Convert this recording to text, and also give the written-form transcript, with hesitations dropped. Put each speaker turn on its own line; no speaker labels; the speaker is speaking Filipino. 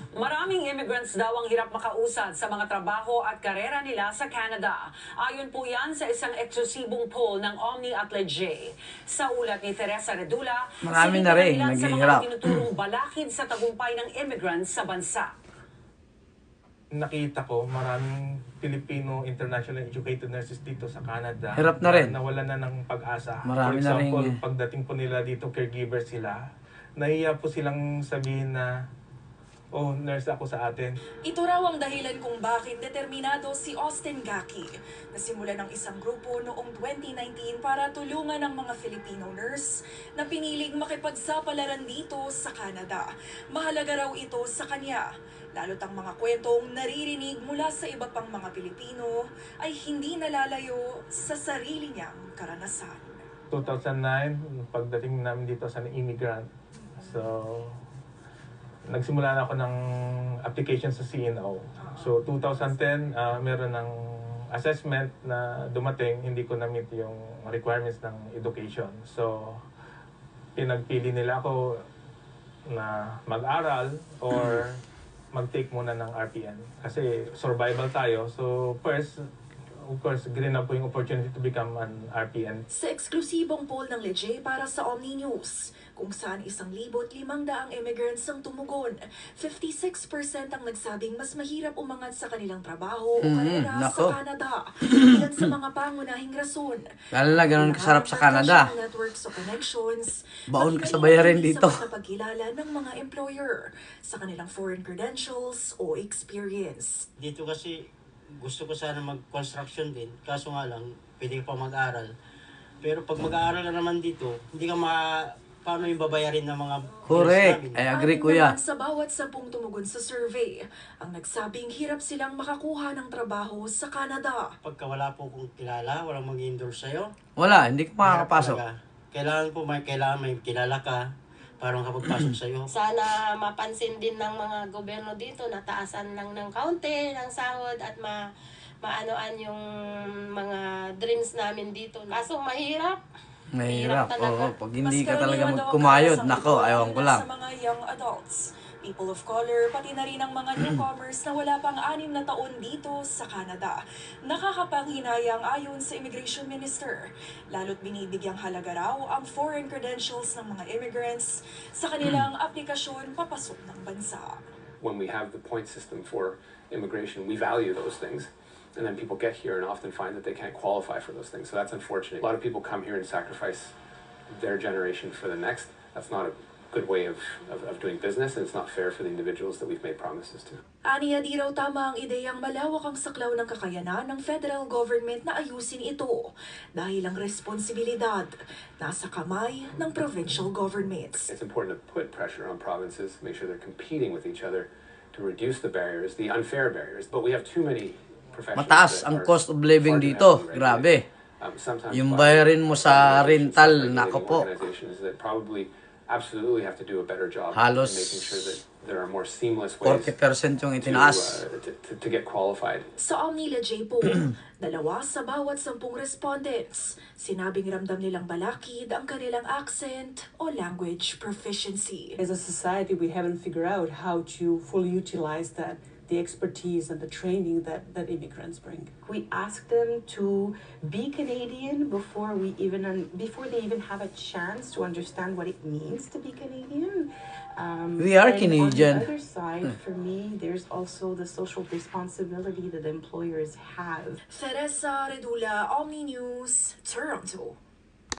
Maraming immigrants daw ang hirap makausad sa mga trabaho at karera nila sa Canada. Ayon po yan sa isang eksklusibong poll ng Omni at Leger. Sa ulat ni Teresa Redula,
marami na rin
ilan sa
naghihirap.
mga tinuturong balakid sa tagumpay ng immigrants sa bansa.
Nakita ko maraming Filipino international educated nurses dito sa Canada.
Hirap na rin.
Nawalan na ng pag-asa.
Marami
For
na
example,
rin.
pagdating po nila dito, caregiver sila. Nahiya po silang sabihin na, oh, nurse ako sa atin.
Ito raw ang dahilan kung bakit determinado si Austin Gaki na simula ng isang grupo noong 2019 para tulungan ang mga Filipino nurse na piniling makipagsapalaran dito sa Canada. Mahalaga raw ito sa kanya, lalo't ang mga kwentong naririnig mula sa iba pang mga Pilipino ay hindi nalalayo sa sarili niyang karanasan.
2009, pagdating namin dito sa immigrant. So, nagsimula na ako ng application sa CNO. So 2010, meron ng assessment na dumating, hindi ko na-meet yung requirements ng education. So pinagpili nila ako na mag-aral or mag-take muna ng RPN. Kasi survival tayo. So first, of course, green na po yung opportunity to become an RPN.
Sa eksklusibong poll ng Leger para sa Omni News, kung saan 1,500 immigrants ang tumugon, 56% ang nagsabing mas mahirap umangat sa kanilang trabaho o karera
nako.
sa Canada. Ilan sa mga pangunahing rason.
Lalo na ganun kasarap sa Canada.
Networks o connections,
Baon ka sa
pati
bayarin
hindi
dito.
sapat na pagkilala ng mga employer sa kanilang foreign credentials o experience.
Dito kasi gusto ko sana mag-construction din, kaso nga lang, pwede ka pa mag-aral. Pero pag mag-aaral ka naman dito, hindi ka paano yung babayarin ng mga
Correct.
bills namin?
I agree,
Anim
kuya.
naman sa bawat 10 tumugon sa survey, ang nagsabing hirap silang makakuha ng trabaho sa Canada.
Pagka wala po kong kilala, walang mag-endorse sa'yo,
Wala, hindi ka makakapasok.
mahirap talaga. Kailangan may kilala ka para makapagpasok sa'yo.
Sana mapansin din ng mga gobyerno dito na taasan lang ng kaunti ng sahod at maanoan yung mga dreams namin dito. Kaso mahirap.
Mahirap.
talaga.
Oo, pag hindi
Mas
ka talaga
karaniwan daw ang
magkumayod,
karanasan
nako,
ito
ayaw ko
na
lang.
Sa mga young adults, people of color, pati na rin ang mga newcomers na wala pang 6 na taon dito sa Canada. Nakakapanghinayang ayon sa Immigration Minister. Lalo't binibigyang halaga raw ang foreign credentials ng mga immigrants sa kanilang aplikasyon papasok ng bansa.
When we have the point system for immigration, we value those things. And then people get here and often find that they can't qualify for those things. So that's unfortunate. A lot of people come here and sacrifice their generation for the next. That's not a good way of doing business, and it's not fair for the individuals that we've made promises to.
Aniya di raw tama ang ideyang malawak ang saklaw ng kakayanan ng federal government na ayusin ito dahil ang responsibilidad nasa kamay ng provincial governments.
It's important to put pressure on provinces, make sure they're competing with each other to reduce the barriers, the unfair barriers. But we have too many professions.
Mataas
that
ang
are
cost of living
far too
dito.
heavily
Grabe.
regulated. Sometimes
Yung
by
bayarin mo sa
organizations,
rental,
self-regulating
nako po.
organizations that probably absolutely have to do a better job
Halos
in making sure that there are more seamless ways
40% yung itinaas.
to get qualified.
Sa Omni Leger po, 2 sa bawat 10 respondents, sinabing ramdam nilang balakid ang kanilang accent o language proficiency.
As a society, we haven't figured out how to fully utilize the expertise and the training that immigrants bring.
We ask them to be Canadian before they even have a chance to understand what it means to be Canadian.
We are
and
Canadian.
On the other side, for me, there's also the social responsibility that employers have.
Teresa Redula, Omni News, Toronto.